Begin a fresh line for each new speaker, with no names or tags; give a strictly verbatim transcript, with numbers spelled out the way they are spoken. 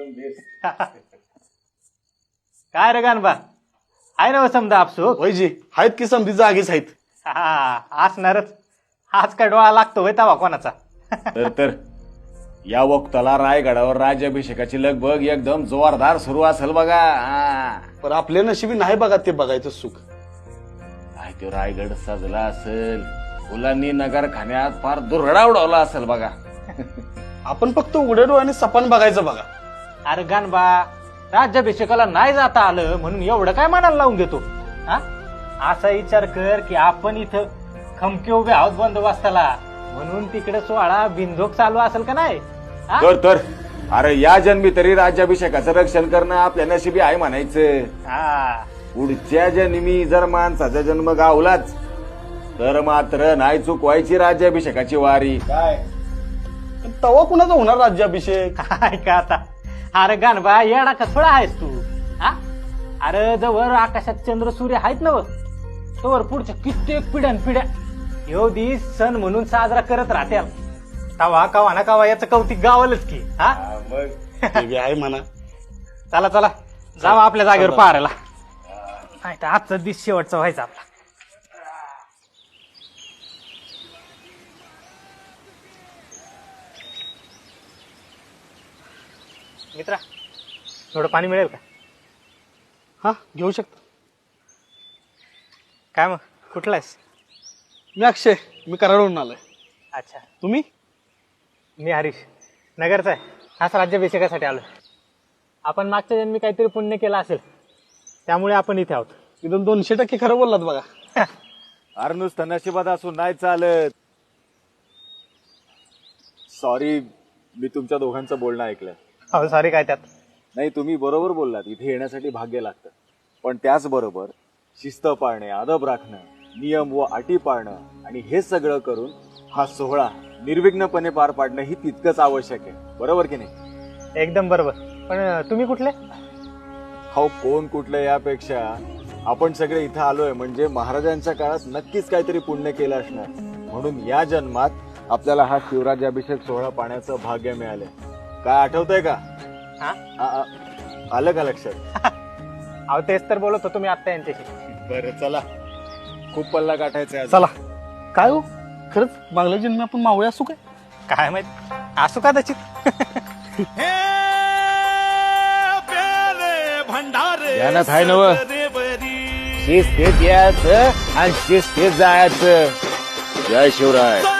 काय रे गानबा आहे ना समजा आपसूक
वैजी आहेत की समधी जागीच आहेत.
हा असणारच. आज काय डोळा लागतो होय तवा कोणाचा.
तर तर या वक्ताला रायगडावर राज्याभिषेकाची लगबग एकदम जोरदार सुरू असेल बघा. हा.
पण आपल्या नशिबी नाही बघा ते बघायचं सुख.
काय तो रायगड सजला असेल, फुलांनी नगरखान्यात फार दुरडा उडवला असेल बघा.
आपण फक्त उघड्या डोळ्याने सपान बघायचं बघा.
अरे गानबा राज्याभिषेकाला नाही जाता आलं म्हणून एवढं काय मनाला लावून घेतो. हा असा विचार कर की आपण इथं खमके उभे आहोत बंदोबस्ताला म्हणून तिकडे सोहळा बिनधोक चालू असेल का नाही. हा?
तर तर अरे या जन्मी तरी राज्याभिषेकाचं रक्षण करणं आपल्या नशिबी आहे म्हणायचं.
हा
पुढच्या जन्मी जर माणसाचा जन्म गावलाच तर मात्र नाही चुकवायची राज्याभिषेकाची वारी. काय
पण तवा कुणाचा होणार राज्याभिषेक.
काय का आता. अरे गानबा येडा का थोडा आहेस तू. हा अरे जवळ आकाशात चंद्र सूर्य आहेत ना तोवर पुढच्या कित्येक पिढ्यान पिढ्या ह्यो दिस सण म्हणून साजरा करत राहत्या. तवा कवा ना कवा याचं कौतिक गावलच की. हा
मग
ते बी आहे म्हणा.
चला चला जावा आपल्या जागेवर पाहायला. नाही तर आजचा दिस शेवटचा व्हायचा आपला. मित्रा थोडं पाणी मिळेल का.
हा घेऊ शकता.
काय मग कुठला आहेस.
मी अक्षय, मी कराडवरून आलोय.
अच्छा
तुम्ही.
मी हरीश नगरचा आहे. हाच राज्याभिषेकासाठी आलो. आपण मागच्या जन्मी काहीतरी पुण्य केलं असेल त्यामुळे आपण इथे आहोत.
एकदम दोनशे टक्के खरं बोललात बघा.
अरे नुसतं नशिबात असून नाही चालत. सॉरी मी तुमच्या दोघांचं बोलणं ऐकलं.
हो सॉरी काय त्यात.
नाही तुम्ही बरोबर बोललात. इथे येण्यासाठी भाग्य लागतं पण त्याचबरोबर शिस्त पाळणे, अदब राखणं, नियम व अटी पाळणं आणि हे सगळं करून हा सोहळा निर्विघ्नपणे पार पाडणं ही तितकंच आवश्यक आहे. बरोबर की नाही.
एकदम बरोबर. पण तुम्ही कुठले.
हो कोण कुठलं यापेक्षा आपण सगळे इथं आलोय म्हणजे महाराजांच्या काळात नक्कीच काहीतरी पुण्य केलं असणार म्हणून या जन्मात आपल्याला हा शिवराज्याभिषेक सोहळा पाहण्याचं भाग्य मिळालंय. काय आठवतंय का.
हा
आ- आ- आलं का लक्षात.
अहो तेच तर बोलत होतो मी आता यांच्याशी.
बरं चला खूप पल्ला गाठायचा आहे.
चला. काय हो खरंच मागल्या जन्मी आपण मावळे असू काय.
काय माहित असू का त्याची.
ध्यानात आहे नव. शिस्तीत यायचं आणि शिस्तीत जायचं. जय शिवराय.